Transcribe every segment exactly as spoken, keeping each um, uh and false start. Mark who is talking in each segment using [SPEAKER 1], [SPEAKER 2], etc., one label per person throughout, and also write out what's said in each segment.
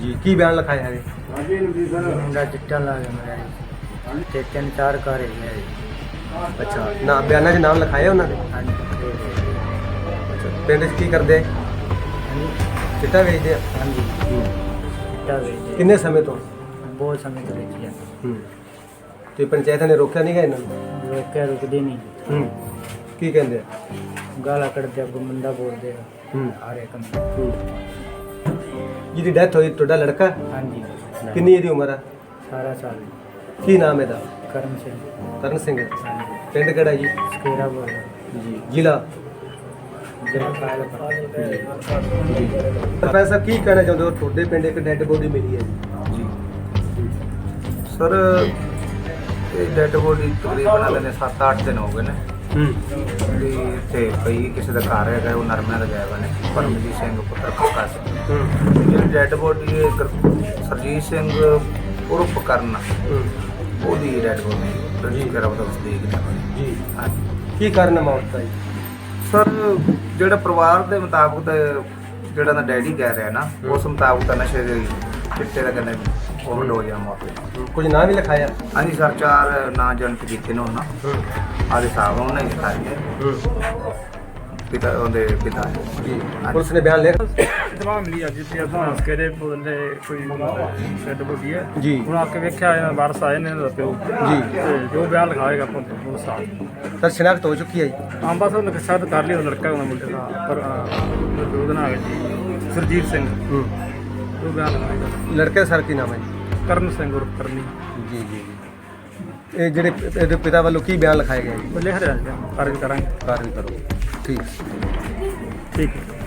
[SPEAKER 1] ਜੀ ਕੀ ਬਿਆਨ ਲਿਖਾਇਆ ਹੈ?
[SPEAKER 2] ਮੁੰਡਾ ਚਿੱਟਾ ਲਾ ਕੇ ਮਰਿਆ ਜੀ ਤੇ ਤਿੰਨ ਚਾਰ ਘਰ ਹੈਗੇ ਆ ਜੀ।
[SPEAKER 1] ਅੱਛਾ ਨਾ ਬਿਆਨਾਂ 'ਚ ਨਾਮ ਲਿਖਾਇਆ ਉਹਨਾਂ ਦੇ?
[SPEAKER 2] ਹਾਂਜੀ
[SPEAKER 1] ਅੱਛਾ ਪਿੰਡ 'ਚ ਕੀ ਕਰਦੇ?
[SPEAKER 2] ਹਾਂਜੀ
[SPEAKER 1] ਚਿੱਟਾ ਵੇਚਦੇ ਆ?
[SPEAKER 2] ਹਾਂਜੀ
[SPEAKER 1] ਹੂੰ।
[SPEAKER 2] ਚਿੱਟਾ ਵੇਚਦੇ
[SPEAKER 1] ਕਿੰਨੇ ਸਮੇਂ ਤੋਂ?
[SPEAKER 2] ਬਹੁਤ ਸਮੇਂ ਤੋਂ ਵੇਚੀ ਆ।
[SPEAKER 1] ਹੂੰ ਤੇ ਪੰਚਾਇਤ ਨੇ ਰੋਕਿਆ ਨਹੀਂ ਗਾ ਇਹਨਾਂ ਨੂੰ?
[SPEAKER 2] ਰੋਕਿਆ ਰੁਕਦੇ ਨਹੀਂ
[SPEAKER 1] ਹੂੰ ਕੀ ਕਹਿੰਦੇ ਆ?
[SPEAKER 2] ਗਾਲਾਂ ਕੱਢਦੇ ਆ, ਗੁੰਮੰਦਾ ਬੋਲਦੇ ਆ
[SPEAKER 1] ਹੂੰ
[SPEAKER 2] ਹਰ ਇੱਕ ਨੂੰ।
[SPEAKER 1] ਹੂੰ ਜਿਹਦੀ ਡੈਥ ਹੋਈ ਤੁਹਾਡਾ ਲੜਕਾ?
[SPEAKER 2] ਹਾਂਜੀ
[SPEAKER 1] ਕਿੰਨੀ ਇਹਦੀ ਉਮਰ ਆ?
[SPEAKER 2] ਸਾਰਾ ਸਾਲ
[SPEAKER 1] ਕੀ ਨਾਮ ਇਹਦਾ?
[SPEAKER 2] ਕਰਮ ਸਿੰਘ।
[SPEAKER 1] ਤਰਨ ਸਿੰਘ।
[SPEAKER 2] ਹਾਂਜੀ
[SPEAKER 1] ਪਿੰਡ ਕਿਹੜਾ ਜੀ?
[SPEAKER 2] ਸਕੇਰਾ ਬੋਲਦਾ
[SPEAKER 1] ਜੀ ਜ਼ਿਲ੍ਹਾ?
[SPEAKER 2] ਜਿਹੜਾ ਕਾਇਲ
[SPEAKER 1] ਜੀ ਸਰਪੰਚ ਸਾਹਿਬ ਕੀ ਕਹਿਣਾ ਚਾਹੁੰਦੇ ਹੋ? ਤੁਹਾਡੇ ਪਿੰਡ ਇੱਕ ਡੈੱਡ ਬੋਡੀ ਮਿਲੀ ਹੈ ਜੀ।
[SPEAKER 3] ਜੀ ਸਰ ਇਹ ਡੈਡ ਬੋਡੀ ਤਕਰੀਬਨ ਅਗਲੇ ਨੇ ਸੱਤ ਅੱਠ ਦਿਨ ਹੋ ਗਏ ਨੇ
[SPEAKER 1] ਹੂੰ
[SPEAKER 3] ਵੀ ਇੱਥੇ ਪਈ ਕਿਸੇ ਦਾ ਘਰ ਹੈਗਾ, ਉਹ ਨਰਮਿਆਂ ਦਾ ਗਿਆ ਵਾ ਨੇ ਪਰਮਜੀਤ ਸਿੰਘ ਪੁੱਤਰ ਕੱਕਾ ਸਿੰਘ।
[SPEAKER 1] ਹੂੰ
[SPEAKER 3] ਜਿਹੜੀ ਡੈਡ ਬੋਡੀ ਹੈ ਗੁਰ- ਸਰਜੀਤ ਸਿੰਘ ਉਰਫ ਕਰਨ,
[SPEAKER 1] ਹੂੰ
[SPEAKER 3] ਉਹਦੀ ਡੈਡ ਬੋਡੀ ਰਜਿਸਟਰ ਕਰਾ ਬਤਾ ਤਸਦੀਕ ਨੇ।
[SPEAKER 1] ਜੀ
[SPEAKER 3] ਹਾਂਜੀ
[SPEAKER 1] ਕੀ ਕਾਰਨ ਹੈ ਮੌਤ ਦਾ ਜੀ?
[SPEAKER 3] ਸਰ ਜਿਹੜਾ ਪਰਿਵਾਰ ਦੇ ਮੁਤਾਬਕ ਤਾਂ ਜਿਹੜਾ ਦਾ ਡੈਡੀ ਕਹਿ ਰਿਹਾ ਨਾ, ਉਸ ਮੁਤਾਬਕ ਤਾਂ ਨਸ਼ੇ ਦੇ ਚਿੱਟੇ ਦਾ ਕਹਿੰਦੇ ਓਵਰਡੋਜ਼ ਆ ਮੌਤ ਦੀ।
[SPEAKER 1] ਕੁਝ ਨਾਂ ਵੀ ਲਿਖਾਇਆ?
[SPEAKER 3] ਹਾਂਜੀ ਸਰ ਚਾਰ ਨਾਂ ਜਨਤ ਕੀਤੇ ਨੇ ਉਹਨਾਂ
[SPEAKER 1] ਹੂੰ
[SPEAKER 3] ਆਦੇ ਸਾਹਿਬ ਉਹਨਾਂ ਨੇ ਲਿਖਾਏ ਨੇ
[SPEAKER 1] ਹੂੰ
[SPEAKER 3] ਪਿਤਾ ਉਹਦੇ ਪਿਤਾ
[SPEAKER 1] ਜੀ ਪੁਲਿਸ ਨੇ ਬਿਆਨ ਲਿਖ?
[SPEAKER 4] ਇਤਲਾਹ ਮਿਲੀ ਅੱਜ ਤੇ ਆਪਾਂ ਸਕੇਰੇ ਬੋਲਦੇ ਕੋਈ ਸ਼ੈਡ ਬੋਡੀ ਹੈ
[SPEAKER 1] ਜੀ
[SPEAKER 4] ਹੁਣ ਆ ਕੇ ਵੇਖਿਆ ਵਾਰਸ ਆਏ ਨੇ ਇਹਨਾਂ ਦਾ ਪਿਓ
[SPEAKER 1] ਜੀ
[SPEAKER 4] ਤੇ ਜੋ ਬਿਆਨ ਲਿਖਾਏਗਾ ਆਪਾਂ ਉਹ ਸਾਥ
[SPEAKER 1] ਸਰ ਸ਼ਨਾਖਤ ਹੋ ਚੁੱਕੀ ਹੈ ਜੀ?
[SPEAKER 4] ਆਮ ਬਸ ਉਹਨੇ ਸ਼ਾਇਦ ਕਰ ਲਈ ਉਹ ਲੜਕਾ ਉਹਨਾਂ ਮੁੰਡੇ ਦਾ ਪਰ ਉਹਦਾ ਨਾਮ ਹੈ ਜੀ ਸਰਜੀਤ ਸਿੰਘ।
[SPEAKER 1] ਹੂੰ
[SPEAKER 4] ਜੋ ਬਿਆਨ ਲਿਖਾਏਗਾ
[SPEAKER 1] ਲੜਕੇ ਦਾ ਸਰ ਕੀ ਨਾਮ ਹੈ ਜੀ?
[SPEAKER 4] ਕਰਨ ਸਿੰਘ ਉਰਫ ਕਰਨੀ।
[SPEAKER 1] ਜੀ ਜੀ ਜੀ ਇਹ ਜਿਹੜੇ ਇਹਦੇ ਪਿਤਾ ਵੱਲੋਂ ਕੀ ਬਿਆਨ ਲਿਖਾਇਆ ਗਿਆ ਜੀ?
[SPEAKER 4] ਉਹ ਲਿਖ ਰਿਹਾ ਜੀ ਕਾਰਜ ਕਰਾਂਗੇ।
[SPEAKER 1] ਕਾਰਵਾਈ ਕਰੋ। ਠੀਕ
[SPEAKER 4] ਠੀਕ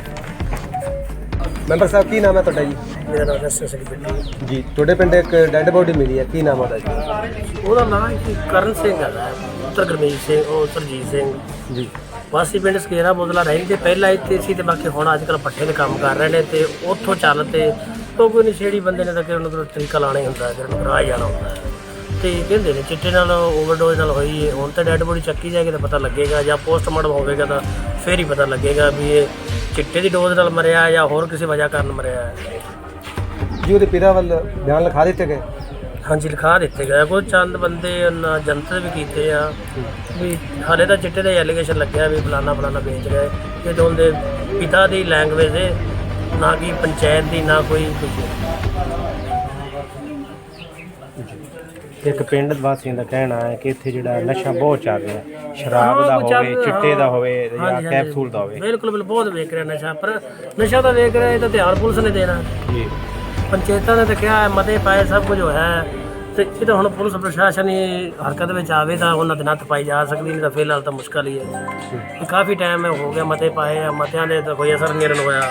[SPEAKER 1] ਮੈਂਬਰ ਸਾਹਿਬ ਕੀ ਨਾਮ ਹੈ ਤੁਹਾਡਾ ਜੀ?
[SPEAKER 2] ਮੇਰਾ ਨਾਮ ਦਰਸ਼ਨ ਸਿੰਘ ਬਿੱਟੂ।
[SPEAKER 1] ਜੀ ਤੁਹਾਡੇ ਪਿੰਡ ਇੱਕ ਡੈੱਡ ਬੋਡੀ ਮਿਲੀ ਹੈ, ਕੀ ਨਾਮ ਉਹਦਾ ਜੀ?
[SPEAKER 2] ਉਹਦਾ ਨਾਮ ਜੀ ਕਰਨ ਸਿੰਘ ਹੈਗਾ, ਪੁੱਤਰ ਗੁਰਮੀਤ ਸਿੰਘ ਉਹ ਸਰਜੀਤ ਸਿੰਘ।
[SPEAKER 1] ਜੀ
[SPEAKER 2] ਵਾਸੀ ਪਿੰਡ ਸਕੇਰਾ ਬੋਦਲਾ ਰਹਿੰਦੇ ਪਹਿਲਾਂ ਇੱਥੇ ਸੀ ਤੇ ਬਾਕੀ ਹੁਣ ਅੱਜ ਕੱਲ੍ਹ ਪੱਠੇ ਦੇ ਕੰਮ ਕਰ ਰਹੇ ਨੇ ਤੇ ਉੱਥੋਂ ਚੱਲ ਤੇ ਤੋਂ ਕੋਈ ਨਸ਼ੇੜੀ ਬੰਦੇ ਨੇ ਤਾਂ ਕਿ ਉਹਨਾਂ ਦਾ ਤਰੀਕਾ ਲਾਣਾ ਹੀ ਹੁੰਦਾ, ਜਿਹੜਾ ਨੂੰ ਰਾਹ ਜਾਣਾ ਹੁੰਦਾ ਹੈ ਤੇ ਕਹਿੰਦੇ ਨੇ ਚਿੱਟੇ ਨਾਲ ਓਵਰਡੋਜ਼ ਨਾਲ ਹੋਈ ਹੈ। ਹੁਣ ਤਾਂ ਡੈੱਡ ਬੋਡੀ ਚੱਕੀ ਜਾਏਗੀ ਤਾਂ ਪਤਾ ਲੱਗੇਗਾ, ਜਾਂ ਪੋਸਟਮਾਰਟਮ ਹੋਵੇਗਾ ਤਾਂ ਫਿਰ ਹੀ ਪਤਾ ਲੱਗੇਗਾ ਵੀ ਇਹ ਚਿੱਟੇ ਦੀ ਡੋਜ਼ ਨਾਲ ਮਰਿਆ ਜਾਂ ਹੋਰ ਕਿਸੇ ਵਜ੍ਹਾ ਕਾਰਨ ਮਰਿਆ ਹੈ।
[SPEAKER 1] ਜੀ ਉਹਦੇ ਪਿਤਾ ਵੱਲ ਬਿਆਨ ਲਿਖਾ ਦਿੱਤੇ ਗਏ?
[SPEAKER 2] ਹਾਂਜੀ ਲਿਖਾ ਦਿੱਤੇ ਗਏ, ਕੋਈ ਚੰਦ ਬੰਦੇ ਉਹਨਾਂ ਜਨਤਕ ਵੀ ਕੀਤੇ ਆ ਵੀ ਹਾਲੇ ਤਾਂ ਚਿੱਟੇ ਦੇ ਐਲੀਗੇਸ਼ਨ ਲੱਗਿਆ ਵੀ ਫਲਾਨਾ ਫਲਾਨਾ ਵੇਚ ਰਹੇ, ਇਹ ਤਾਂ ਉਹਦੇ ਪਿਤਾ ਦੀ ਲੈਂਗੁਏਜ ਹੈ, ਨਾ ਕਿ ਪੰਚਾਇਤ ਦੀ, ਨਾ ਕੋਈ ਕੁਛ।
[SPEAKER 5] ਇੱਕ ਪਿੰਡ ਵਾਸੀਆਂ ਦਾ ਕਹਿਣਾ ਹੈ ਕਿ ਇੱਥੇ ਜਿਹੜਾ ਨਸ਼ਾ ਬਹੁਤ ਚੱਲ ਰਿਹਾ, ਸ਼ਰਾਬ ਦਾ
[SPEAKER 2] ਹਾਂ, ਕੁਛ ਚੱਲ-
[SPEAKER 5] ਹੋਵੇ, ਚਿੱਟੇ ਦਾ ਹੋਵੇ ਜਾਂ
[SPEAKER 2] ਹਾਂਜੀ, ਹਾਂਜੀ।
[SPEAKER 5] ਕੈਪਸੂਲ ਦਾ ਹੋਵੇ।
[SPEAKER 2] ਬਿਲਕੁਲ ਬਿਲਕੁਲ ਬਹੁਤ ਵੇਖ ਰਿਹਾ ਨਸ਼ਾ, ਪਰ ਨਸ਼ਾ ਤਾਂ ਵੇਖ ਰਿਹਾ, ਇਹ ਤਾਂ ਧਿਆਨ ਪੁਲਿਸ ਨੇ ਦੇਣਾ,
[SPEAKER 5] ਜੀ
[SPEAKER 2] ਪੰਚਾਇਤਾਂ ਨੇ ਤਾਂ ਕਿਹਾ ਹੈ, ਮਤੇ ਪਾਏ, ਸਭ ਕੁਝ ਹੋਇਆ ਹੈ ਤੇ ਇਹ ਤਾਂ ਹੁਣ ਪੁਲਿਸ ਪ੍ਰਸ਼ਾਸਨ ਹੀ ਹਰਕਤ ਵਿੱਚ ਆਵੇ ਤਾਂ ਉਹਨਾਂ ਦੇ ਨੱਥ ਪਾਈ ਜਾ ਸਕਦੀ, ਨਹੀਂ ਤਾਂ ਫਿਲਹਾਲ ਤਾਂ ਮੁਸ਼ਕਲ ਹੀ ਹੈ। ਇਹ ਕਾਫੀ ਟਾਈਮ ਹੋ ਗਿਆ ਮਤੇ ਪਾਏ ਆ, ਮਤਿਆਂ ਦੇ ਤਾਂ ਕੋਈ ਅਸਰ ਨਹੀਂ ਹੋਇਆ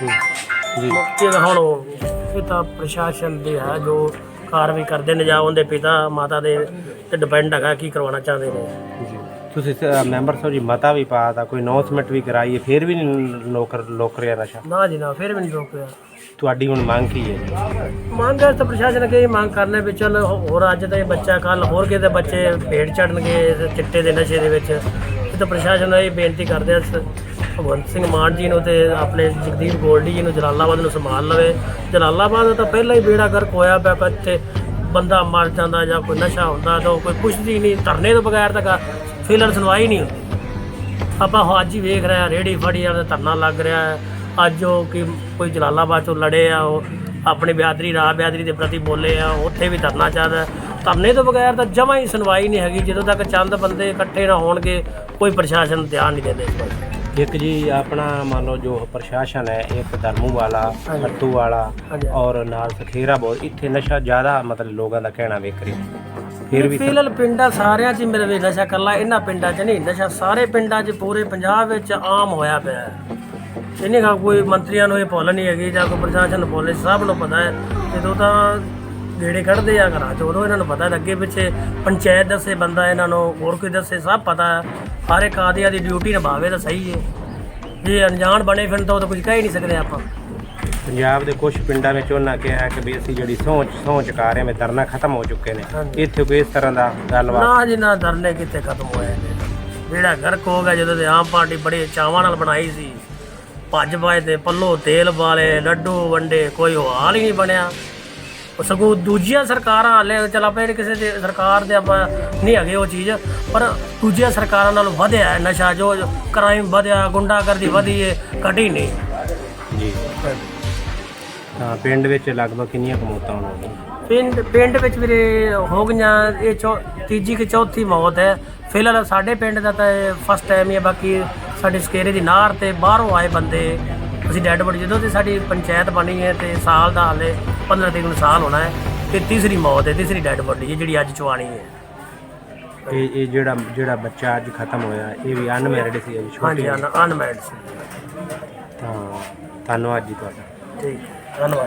[SPEAKER 5] ਜੀ
[SPEAKER 2] ਮੁਕਤੀ ਦਾ। ਹੁਣ ਉਹ ਇਹ ਤਾਂ ਪ੍ਰਸ਼ਾਸਨ ਦੇ ਹੈ ਜੋ ਕਾਰਵਾਈ ਕਰਦੇ ਨੇ, ਜਾਂ ਉਹਦੇ ਪਿਤਾ ਮਾਤਾ ਦੇ ਤੇ ਡਿਪੈਂਡ ਹੈਗਾ ਕੀ ਕਰਵਾਉਣਾ ਚਾਹੁੰਦੇ ਨੇ।
[SPEAKER 5] ਜੀ ਤੁਸੀਂ ਸ- ਮੈਂਬਰ ਸਾਹਿਬ ਜੀ ਮਤਾ ਵੀ ਪਾ ਤਾ, ਕੋਈ ਅਨਾਉਂਸਮੈਂਟ ਵੀ ਕਰਾਈ ਹੈ, ਫਿਰ ਵੀ ਨਹੀਂ ਲੋਕ ਲੋਕ ਰਿਹਾ ਨਸ਼ਾ।
[SPEAKER 2] ਨਾ ਜੀ ਨਾ, ਫਿਰ ਵੀ ਨਹੀਂ ਰੋਕਿਆ।
[SPEAKER 5] ਤੁਹਾਡੀ ਹੁਣ ਮੰਗ ਕੀ ਹੈ ਜੀ?
[SPEAKER 2] ਮੰਗ ਹੈ ਤਾਂ ਪ੍ਰਸ਼ਾਸਨ ਅੱਗੇ ਇਹ ਮੰਗ ਕਰਨਾ ਵੀ ਚੱਲ ਹੋਰ ਅੱਜ ਦਾ ਇਹ ਬੱਚਾ ਕੱਲ ਹੋਰ ਕਿਤੇ ਬੱਚੇ ਭੇੜ ਚੜਨਗੇ ਇਸ ਚਿੱਟੇ ਦੇ ਨਸ਼ੇ ਦੇ ਵਿੱਚ। ਇਹ ਤਾਂ ਪ੍ਰਸ਼ਾਸਨ ਨੂੰ ਇਹ ਬੇਨਤੀ ਕਰਦੇ ਆ ਸ- ਭਗਵੰਤ ਸਿੰਘ ਮਾਨ ਜੀ ਨੂੰ ਤੇ ਆਪਣੇ ਜਗਦੀਪ ਗੋਲਡੀ ਜੀ ਨੂੰ ਜਲਾਲਾਬਾਦ ਨੂੰ ਸੰਭਾਲ ਲਵੇ। ਜਲਾਲਾਬਾਦ ਤਾਂ ਪਹਿਲਾਂ ਹੀ ਬੇੜਾ ਗਰਕ ਹੋਇਆ ਪਿਆ, ਇੱਥੇ ਬੰਦਾ ਮਰ ਜਾਂਦਾ ਜਾਂ ਕੋਈ ਨਸ਼ਾ ਹੁੰਦਾ ਤਾਂ ਕੋਈ ਪੁੱਛਦੀ ਨਹੀਂ, ਧਰਨੇ ਤੋਂ ਬਗੈਰ ਤਾਂ ਫਿਲਹਾਲ ਸੁਣਵਾਈ ਨਹੀਂ ਹੁੰਦੀ। ਆਪਾਂ ਅੱਜ ਹੀ ਵੇਖ ਰਹੇ ਹਾਂ ਰੇਹੜੀ ਫੜੀ ਵਾਲਾ ਧਰਨਾ ਲੱਗ ਰਿਹਾ ਹੈ। ਅੱਜ ਉਹ ਕਿ ਕੋਈ ਜਲਾਲਾਬਾਦ ਤੋਂ ਲੜੇ ਆ, ਉਹ ਆਪਣੀ ਬਿਆਦਰੀ ਰਾਹ ਬਿਆਦਰੀ ਦੇ ਪ੍ਰਤੀ ਬੋਲੇ ਆ, ਉੱਥੇ ਵੀ ਧਰਨਾ ਚੱਲਦਾ। ਧਰਨੇ ਤੋਂ ਬਗੈਰ ਤਾਂ ਜਮਾਂ ਹੀ ਸੁਣਵਾਈ ਨਹੀਂ ਹੈਗੀ, ਜਦੋਂ ਤੱਕ ਚੰਦ ਬੰਦੇ ਇਕੱਠੇ ਨਾ ਹੋਣਗੇ ਕੋਈ ਪ੍ਰਸ਼ਾਸਨ ਧਿਆਨ ਨਹੀਂ ਦਿੰਦੇ ਇਸ ਪਾਸੇ।
[SPEAKER 5] ਇੱਕ ਜੀ ਆਪਣਾ ਮੰਨ ਲਓ ਜੋ ਪ੍ਰਸ਼ਾਸਨ ਹੈ, ਇੱਕ ਧਰਮੂ ਵਾਲਾ,
[SPEAKER 2] ਹਾਂਜੀ।
[SPEAKER 5] ਫੱਤੂ ਵਾਲਾ
[SPEAKER 2] ਹਾਂਜੀ।
[SPEAKER 5] ਔਰ ਨਾਲ ਸਖੇਰਾ ਬਹੁਤ, ਇੱਥੇ ਨਸ਼ਾ ਜ਼ਿਆਦਾ ਮਤਲਬ ਲੋਕਾਂ ਦਾ ਕਹਿਣਾ ਵੇਖ ਰਹੀ ਫਿਰ ਵੀ
[SPEAKER 2] ਫਿਲਹਾਲ ਪਿੰਡਾਂ ਸਾਰਿਆਂ 'ਚ ਹੀ ਮੇਰੇ ਵੇ ਨਸ਼ਾ ਇਕੱਲਾ ਇਹਨਾਂ ਪਿੰਡਾਂ 'ਚ ਨਹੀਂ, ਨਸ਼ਾ ਸਾਰੇ ਪਿੰਡਾਂ 'ਚ ਪੂਰੇ ਪੰਜਾਬ ਵਿੱਚ ਆਮ ਹੋਇਆ ਪਿਆ ਹੈ। ਇਹਨੇ ਕਾ ਕੋਈ ਮੰਤਰੀਆਂ ਨੂੰ ਇਹ ਭੁੱਲ ਨਹੀਂ ਹੈਗੀ ਜਾਂ ਕੋਈ ਪ੍ਰਸ਼ਾਸਨ ਨੂੰ ਭੁੱਲ, ਸਭ ਨੂੰ ਪਤਾ ਹੈ। ਜਦੋਂ ਤਾਂ ਗੇੜੇ ਕੱਢਦੇ ਆ ਘਰਾਂ 'ਚ ਉਦੋਂ ਇਹਨਾਂ ਨੂੰ ਪਤਾ ਹੈ, ਅੱਗੇ ਪਿੱਛੇ ਪੰਚਾਇਤ ਦੱਸੇ ਬੰਦਾ ਇਹਨਾਂ ਨੂੰ, ਹੋਰ ਕੋਈ ਦੱਸੇ, ਸਭ ਪਤਾ ਹੈ। ਹਰ ਇੱਕ ਆਦਿਆਂ ਦੀ ਡਿਊਟੀ ਨਿਭਾਵੇ ਤਾਂ ਸਹੀ ਹੈ, ਜੇ ਅਣਜਾਣ ਬਣੇ ਫਿਰ ਤਾਂ ਉਹ ਤਾਂ ਕੁਝ ਕਹਿ ਹੀ ਨਹੀਂ ਸਕਦੇ ਆਪਾਂ।
[SPEAKER 5] ਪੰਜਾਬ ਦੇ ਕੁਝ ਪਿੰਡਾਂ ਵਿੱਚ ਉਹਨਾਂ ਕਿਹਾ ਕਿ ਵੀ ਅਸੀਂ ਜਿਹੜੀ ਸਹੁੰ ਸਹੁੰ ਚੁਕਾ ਰਹੇ ਹਾਂ, ਧਰਨਾ ਖਤਮ ਹੋ ਚੁੱਕੇ ਨੇ।
[SPEAKER 2] ਹਾਂਜੀ।
[SPEAKER 5] ਇੱਥੇ ਕੋਈ ਇਸ ਤਰ੍ਹਾਂ ਦਾ ਗੱਲਬਾਤ
[SPEAKER 2] ਨਾ ਜੀ ਨਾ, ਧਰਨੇ ਕਿੱਥੇ ਖਤਮ ਹੋਏ ਨੇ। ਜਿਹੜਾ ਗਰਕ ਹੋ ਗਿਆ ਜਦੋਂ ਤੇ ਆਮ ਪਾਰਟੀ ਬੜੇ ਚਾਵਾਂ ਨਾਲ ਬਣਾਈ ਸੀ, ਭੱਜ ਪਾਏ ਤੇ ਪੱਲੋ ਤੇਲ ਵਾਲੇ ਲੱਡੂ ਵੰਡੇ, ਕੋਈ ਉਹ ਹਾਲ ਹੀ ਨਹੀਂ ਬਣਿਆ। ਉਹ ਸਗੋਂ ਦੂਜੀਆਂ ਸਰਕਾਰਾਂ ਹਾਲੇ ਚੱਲ ਆਪਾਂ ਇਹ ਕਿਸੇ ਦੀ ਸਰਕਾਰ ਦੇ ਆਪਾਂ ਨਹੀਂ ਹੈਗੇ ਉਹ ਚੀਜ਼, ਪਰ ਦੂਜੀਆਂ ਸਰਕਾਰਾਂ ਨਾਲੋਂ ਵਧਿਆ ਹੈ ਨਸ਼ਾ, ਜੋ ਕ੍ਰਾਈਮ ਵਧਿਆ, ਗੁੰਡਾਗਰਦੀ ਵਧੀ ਹੈ, ਘਟੀ ਨਹੀਂ।
[SPEAKER 5] ਜੀ ਤਾਂ ਪਿੰਡ ਵਿੱਚ ਲਗਭਗ ਕਿੰਨੀਆਂ ਕੁ ਮੌਤਾਂ ਹੋਣਗੀਆਂ?
[SPEAKER 2] ਪਿੰਡ ਪਿੰਡ ਵਿੱਚ ਵੀਰੇ ਹੋ ਗਈਆਂ ਇਹ ਚੌ ਤੀਜੀ ਕਿ ਚੌਥੀ ਮੌਤ ਹੈ ਫਿਲਹਾਲ ਸਾਡੇ ਪਿੰਡ ਦਾ, ਤਾਂ ਇਹ ਫਸਟ ਟਾਈਮ ਹੀ ਹੈ। ਬਾਕੀ ਸਾਡੇ ਸਕੇਰੇ ਦੀ ਨਾਰ ਤੇ ਬਾਹਰੋਂ ਆਏ ਬੰਦੇ, ਅਸੀਂ ਡੈਡ ਬੋਡੀ ਜਦੋਂ ਤੇ ਸਾਡੀ ਪੰਚਾਇਤ ਬਣੀ ਹੈ ਤੇ ਸਾਲ ਦਾ ਹਾਲੇ ਪੰਦਰਾਂ ਤਰੀਕ ਨੂੰ ਸਾਲ ਹੋਣਾ ਹੈ, ਤੇ ਤੀਸਰੀ ਮੌਤ ਹੈ, ਤੀਸਰੀ ਡੈਡ ਬੋਡੀ ਹੈ ਜਿਹੜੀ ਅੱਜ ਚੁਆਣੀ ਹੈ।
[SPEAKER 5] ਇਹ ਇਹ ਜਿਹੜਾ ਜਿਹੜਾ ਬੱਚਾ ਅੱਜ ਖਤਮ ਹੋਇਆ ਇਹ ਵੀ ਅਨਮੈਰਿਡ ਸੀ ਅਜੇ ਛੋਟੇ?
[SPEAKER 2] ਹਾਂਜੀ, ਅਨਮੈਰਿਡ ਸੀ।
[SPEAKER 5] ਤਾਂ ਧੰਨਵਾਦ ਜੀ ਤੁਹਾਡਾ।
[SPEAKER 2] ਠੀਕ ਹੈ, ਧੰਨਵਾਦ।